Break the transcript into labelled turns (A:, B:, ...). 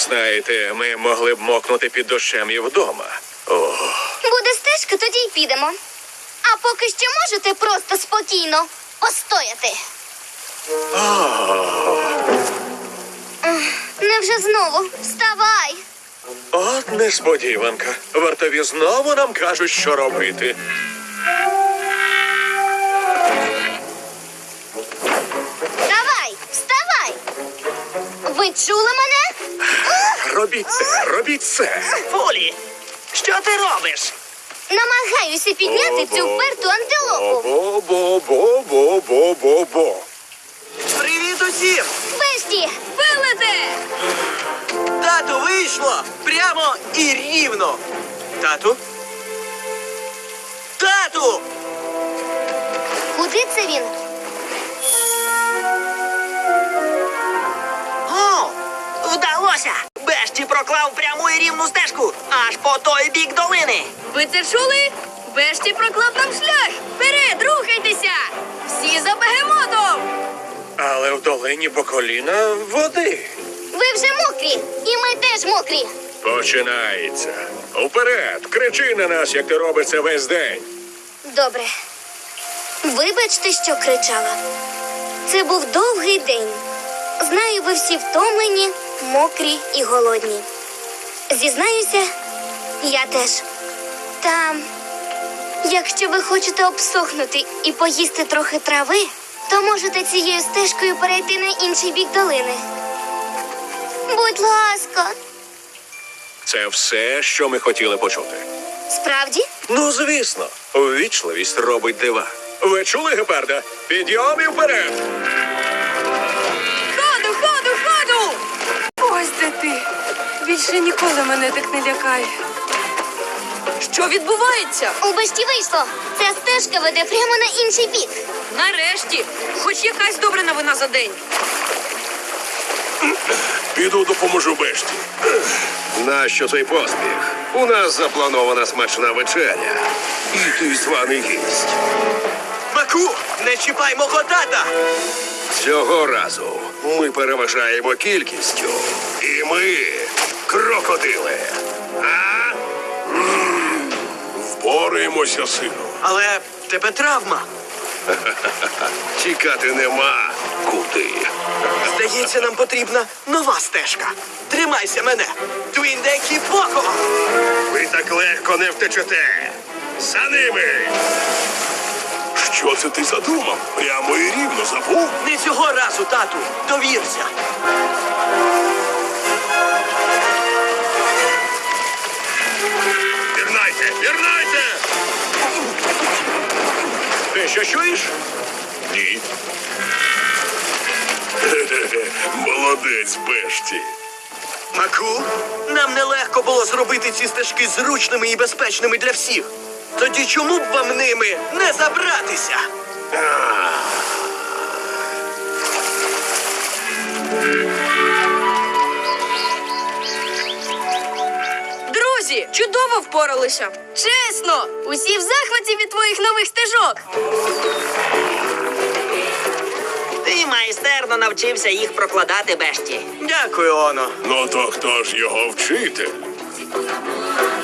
A: Знаєте, ми могли б мокнути під дощем і вдома.
B: Буде стежка, тоді й підемо. А поки що можете просто спокійно постояти. Невже знову? Вставай!
A: От несподіванка. Вартові знову нам кажуть, що робити.
B: Давай, вставай! Ви чули мене?
A: Робіть це.
C: Фулі, що ти робиш?
B: Намагаюся підняти цю вперту антилопу.
A: Бо-бо-бо-бо-бо-бо.
C: Привіт усім!
B: Бешті, вилети!
C: Тату, вийшло! Прямо і рівно! Тату? Тату!
B: Куди це він?
C: О, вдалося! Бешті проклав пряму і рівну стежку аж по той бік долини.
D: Ви це чули? Бешті проклав нам шлях! Вперед, рухайтеся! Всі за бегемотом!
A: Але в долині по коліна води.
B: Ви вже мокрі, і ми теж мокрі.
A: Починається. Уперед! Кричи на нас, як ти робиш це весь день.
B: Добре. Вибачте, що кричала. Це був довгий день. Знаю, ви всі втомлені, мокрі і голодні. Зізнаюся, я теж. Та, якщо ви хочете обсохнути і поїсти трохи трави, то можете цією стежкою перейти на інший бік долини. Будь ласка.
A: Це все, що ми хотіли почути.
B: Справді?
A: Ну, звісно, ввічливість робить дива. Ви чули, гепарда? Підйом і вперед!
D: Ходу, ходу, ходу! Ось де ти. Більше ніколи мене так не лякає. Що відбувається?
B: У Бешті вийшло. Ця стежка веде прямо на інший бік.
D: Нарешті, хоч якась добра новина за день.
A: Піду допоможу Бешті.
E: Нащо цей поспіх? У нас запланована смачна вечеря. І ти званий гість.
C: Маку, не чіпай мого тата!
E: Цього разу ми переважаємо кількістю. І ми крокодили. А?
A: Впораємося, сину.
C: Але в тебе травма.
E: Тікати нема куди.
C: Здається, нам потрібна нова стежка. Тримайся мене! Твіндекі Поко!
E: Ви так легко не втечете. За ними!
A: Що це ти задумав? Прямо і рівно забув?
C: Не цього разу, тату! Довірся!
E: Пірнайте! Пірнайте!
A: Ти що чуєш? Ні. Молодець, Бешті.
C: Маку, нам нелегко було зробити ці стежки зручними і безпечними для всіх. Тоді чому б вам ними не забратися?
D: Друзі, чудово впоралися. Чесно, усі в захваті від твоїх нових стежок.
F: Ти майстерно навчився їх прокладати, Бешті.
C: Дякую, Оно.
A: Ну то хто ж його вчитель?